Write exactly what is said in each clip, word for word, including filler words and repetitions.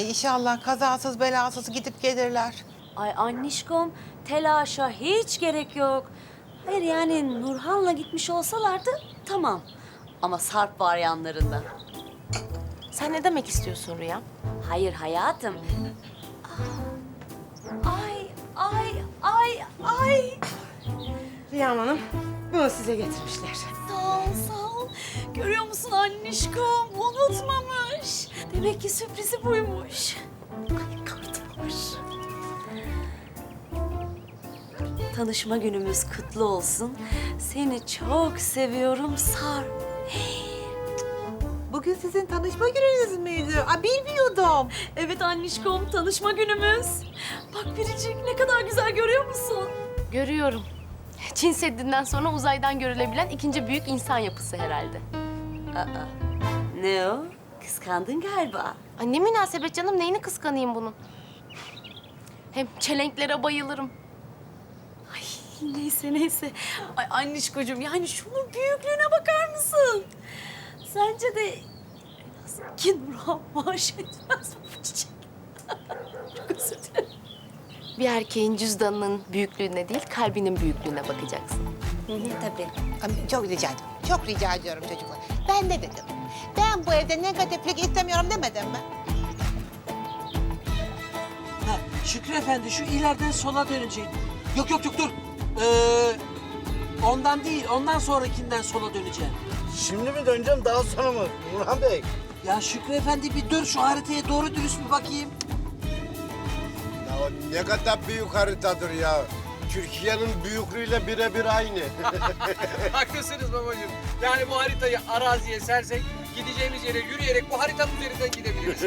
Ay inşallah kazasız belasız gidip gelirler. Ay annişkom, telaşa hiç gerek yok. Hayır yani Nurhan'la gitmiş olsalardı tamam. Ama Sarp var yanlarında. Sen ne demek istiyorsun Rüya? Hayır hayatım. Ay, ay, ay, ay. Rüya Hanım, bunu size getirmişler. Sağ ol, sağ ol. Görüyor musun annişkom? Unutmamış. Demek ki sürprizi buymuş. Ay kartmış. Tanışma günümüz kutlu olsun. Seni çok seviyorum Sarp. Bugün sizin tanışma gününüz müydü? Aa, bilmiyordum. Evet annişkom, tanışma günümüz. Bak Biricik ne kadar güzel görüyor musun? Görüyorum. Çin Seddi'nden sonra uzaydan görülebilen ikinci büyük insan yapısı herhalde. Aa, ne o? Kıskandın galiba. Ay ne münasebet canım, neyini kıskanayım bunun? Hem çelenklere bayılırım. Ay neyse neyse. Ay annişkocuğum yani şunun büyüklüğüne bakar mısın? Sence de nasıl ki Nurhan maaş etmez bu çiçek? Çok özür dilerim. Bir erkeğin cüzdanının büyüklüğüne değil, kalbinin büyüklüğüne bakacaksın. Hı hı, tabii. Ama çok rica ediyorum. Çok rica ediyorum çocuklar. Ben ne dedim? Ben bu evde negatiflik istemiyorum demedim mi? Ha, Şükrü Efendi şu ileriden sola döneceksin. Yok yok yok dur. Ee, ondan değil, ondan sonrakinden sola döneceksin. Şimdi mi döneceğim daha sonra mı Nurhan Bey? Ya Şükrü Efendi bir dur şu haritaya doğru dürüst bir bakayım. Ya o ne kadar büyük haritadır ya. Türkiye'nin büyüklüğüyle birebir aynı. Haklısınız babacığım. Yani bu haritayı araziye sersek gideceğimiz yere yürüyerek bu haritanın üzerinden gidebiliriz.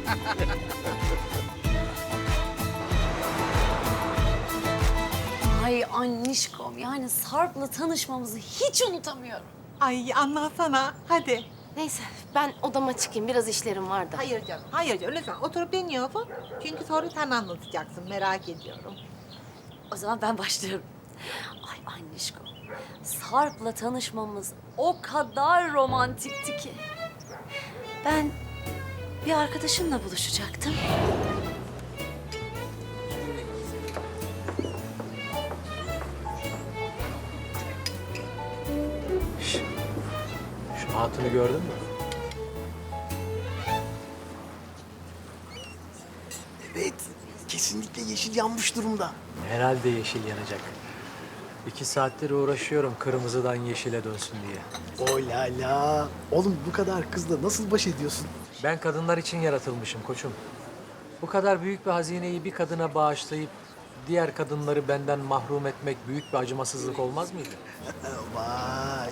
Ay annişkom yani Sarp'la tanışmamızı hiç unutamıyorum. Ay anlatsana. Hadi. Neyse, ben odama çıkayım. Biraz işlerim var da. Hayır canım. Hayır canım. Lütfen oturup dinliyorsun. Çünkü sonra sen anlatacaksın. Merak ediyorum. O zaman ben başlıyorum. Ay annişkom, Sarp'la tanışmamız o kadar romantikti ki. Ben bir arkadaşımla buluşacaktım. Şu hatunu gördün mü? Evet, kesinlikle yeşil yanmış durumda. Herhalde yeşil yanacak. İki saattir uğraşıyorum kırmızıdan yeşile dönsün diye. O la la. Oğlum bu kadar kızla nasıl baş ediyorsun? Ben kadınlar için yaratılmışım koçum. Bu kadar büyük bir hazineyi bir kadına bağışlayıp diğer kadınları benden mahrum etmek büyük bir acımasızlık olmaz mıydı? Vay.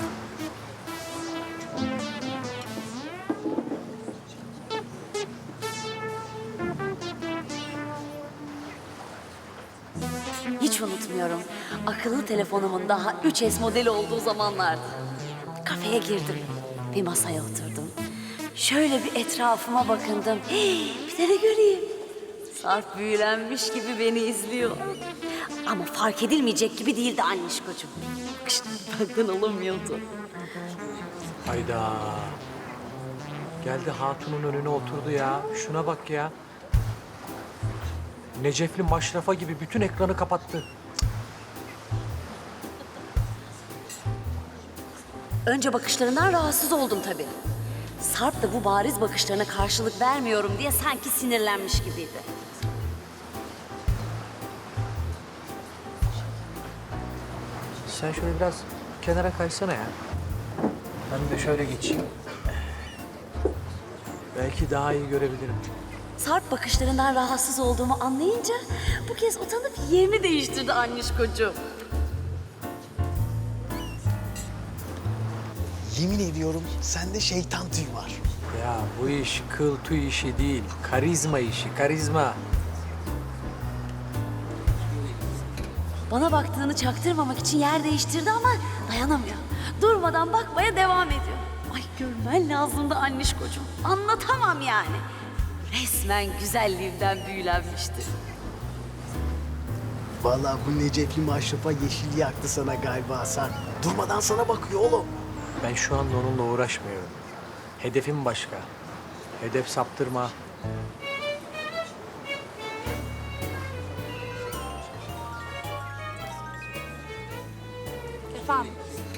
Hiç unutmuyorum. Akıllı telefonumun daha üç S modeli olduğu zamanlardı. Kafeye girdim. Bir masaya oturdum. Şöyle bir etrafıma bakındım. Hii, bir de ne göreyim? Sarp büyülenmiş gibi beni izliyor. Ama fark edilmeyecek gibi değildi annişkocuğum. Bakışları benden alamıyordu. Hayda. Geldi hatunun önüne oturdu ya. Şuna bak ya. Necefli maşrafa gibi bütün ekranı kapattı. Önce bakışlarından rahatsız oldum tabii. Sarp da bu bariz bakışlarına karşılık vermiyorum diye sanki sinirlenmiş gibiydi. Sen şöyle biraz kenara kaysana ya. Ben de şöyle geçeyim. Belki daha iyi görebilirim. Sarp bakışlarından rahatsız olduğumu anlayınca bu kez utanıp yerini değiştirdi annişkocuğum. Yemin ediyorum sende şeytan tüyü var. Ya bu iş kıl tüy işi değil, karizma işi, karizma. Bana baktığını çaktırmamak için yer değiştirdi ama dayanamıyor. Durmadan bakmaya devam ediyor. Ay görmen lazımdı annişkocuğum. Anlatamam yani. Resmen güzelliğimden büyülenmişti. Vallahi bu Necefli maşrafa yeşil yaktı sana galiba Hasan. Durmadan sana bakıyor oğlum. Ben şu anda onunla uğraşmıyorum. Hedefim başka. Hedef saptırma, Efendim?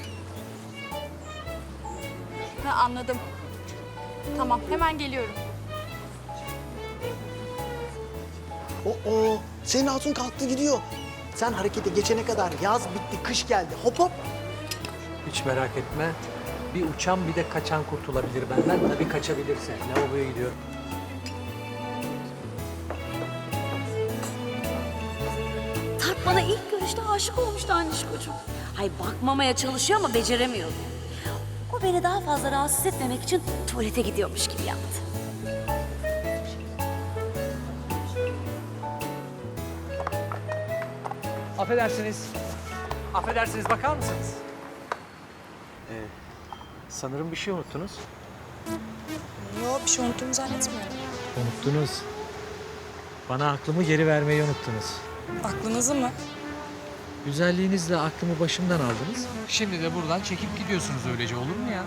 Ha, anladım. Tamam, hemen geliyorum. O o senin hatun kalktı gidiyor. Sen harekete geçene kadar yaz bitti, kış geldi. Hop hop. Hiç merak etme. Bir uçan bir de kaçan kurtulabilir benden. Tabii kaçabilirse. Lavaboya gidiyorum. Sarp bana ilk görüşte aşık olmuştu Anişkocuğum. Hay bakmamaya çalışıyor ama beceremiyordu. O beni daha fazla rahatsız etmemek için tuvalete gidiyormuş gibi yaptı. Affedersiniz. Affedersiniz, bakar mısınız? Ee, sanırım bir şey unuttunuz. Yok, bir şey unuttuğumu zannetmiyorum. Unuttunuz. Bana aklımı geri vermeyi unuttunuz. Aklınızı mı? Güzelliğinizle aklımı başımdan aldınız. Şimdi de buradan çekip gidiyorsunuz, öylece olur mu ya?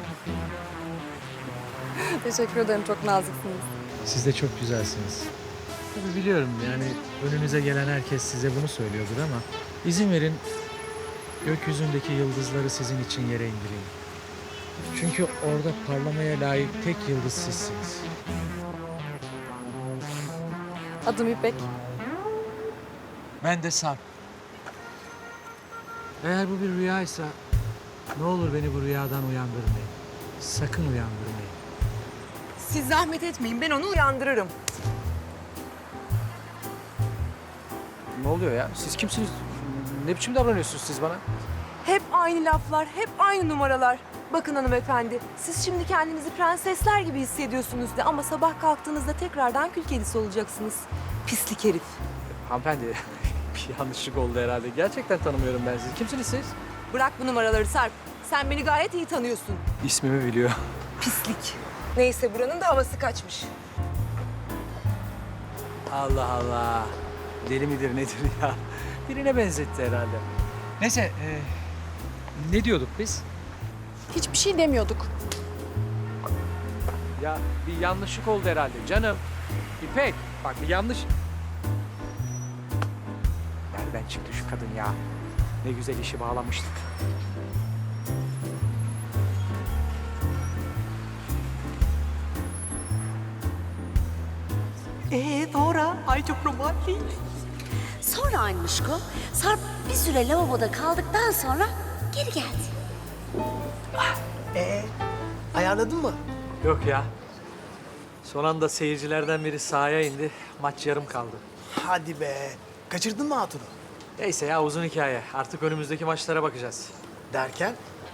Teşekkür ederim, çok naziksiniz. Siz de çok güzelsiniz. Tabii biliyorum, yani önünüze gelen herkes size bunu söylüyordur ama izin verin gökyüzündeki yıldızları sizin için yere indireyim. Çünkü orada parlamaya layık tek yıldız sizsiniz. Adım İpek. Ben de Sarp. Eğer bu bir rüyaysa ne olur beni bu rüyadan uyandırmayın. Sakın uyandırmayın. Siz zahmet etmeyin, ben onu uyandırırım. Ne oluyor ya? Siz kimsiniz? Ne biçim davranıyorsunuz siz bana? Hep aynı laflar, hep aynı numaralar. Bakın hanımefendi, siz şimdi kendinizi prensesler gibi hissediyorsunuz de ama sabah kalktığınızda tekrardan kül kedisi olacaksınız. Pislik herif. Hanımefendi, bir yanlışlık oldu herhalde. Gerçekten tanımıyorum ben sizi. Kimsiniz siz? Bırak bu numaraları Sarp. Sen beni gayet iyi tanıyorsun. İsmimi biliyor. Pislik. Neyse buranın da havası kaçmış. Allah Allah. Deli midir nedir ya? Birine benzetti herhalde. Neyse, e, ne diyorduk biz? Hiçbir şey demiyorduk. Ya bir yanlışlık oldu herhalde canım. İpek, bak bir yanlış... Nereden çıktı şu kadın ya? Ne güzel işi bağlamıştık. Ee sonra? Ay çok romantik. Sonra Anişko, Sarp bir süre lavaboda kaldıktan sonra geri geldi. Ee, ayarladın mı? Yok ya. Son anda seyircilerden biri sahaya indi. Maç yarım kaldı. Hadi be. Kaçırdın mı hatunu? Neyse ya, uzun hikaye. Artık önümüzdeki maçlara bakacağız. Derken?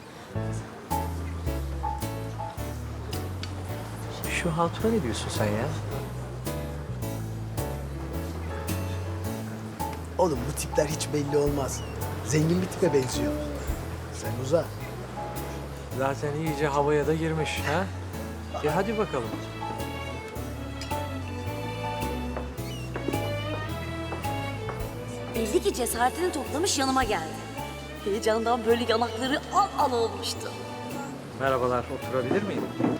Şu hatuna ne diyorsun sen ya? Oğlum bu tipler hiç belli olmaz. Zengin bir tipe benziyor. Sen uza. Zaten iyice havaya da girmiş ha? E hadi bakalım. Belli ki cesaretini toplamış yanıma geldi. Heyecandan böyle yanakları al al olmuştu. Merhabalar, oturabilir miyim?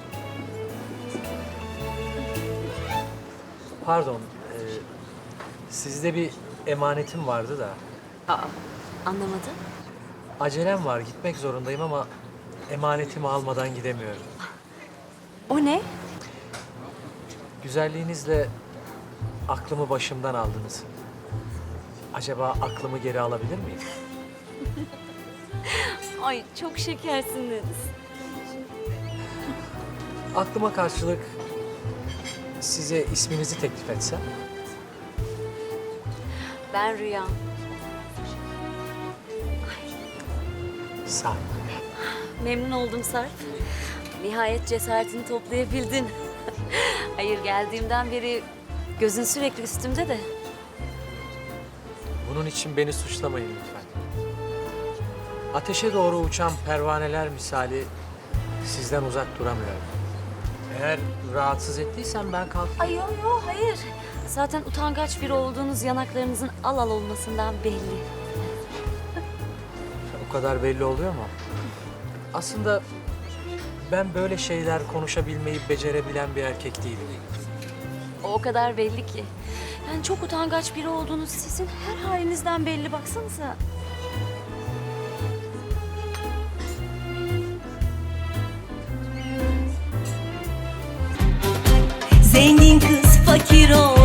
Pardon, e, sizde bir emanetim vardı da. Aa, anlamadım. Acelem var, gitmek zorundayım ama emanetimi almadan gidemiyorum. O ne? Güzelliğinizle aklımı başımdan aldınız. Acaba aklımı geri alabilir miyim? Ay çok şekersiniz. Aklıma karşılık size isminizi teklif etsem? Ben Rüya. Sarp. Memnun oldum Sarp. Nihayet cesaretini toplayabildin. Hayır, geldiğimden beri gözün sürekli üstümde de. Bunun için beni suçlamayın lütfen. Ateşe doğru uçan pervaneler misali sizden uzak duramıyorum. Eğer rahatsız ettiysem ben kalkayım. Ay yok yok hayır. Zaten utangaç biri olduğunuz yanaklarınızın al al olmasından belli. O kadar belli oluyor mu? Aslında ben böyle şeyler konuşabilmeyi becerebilen bir erkek değilim. O, o kadar belli ki. Yani çok utangaç biri olduğunuz sizin her halinizden belli, baksanıza. Zengin kız fakir ol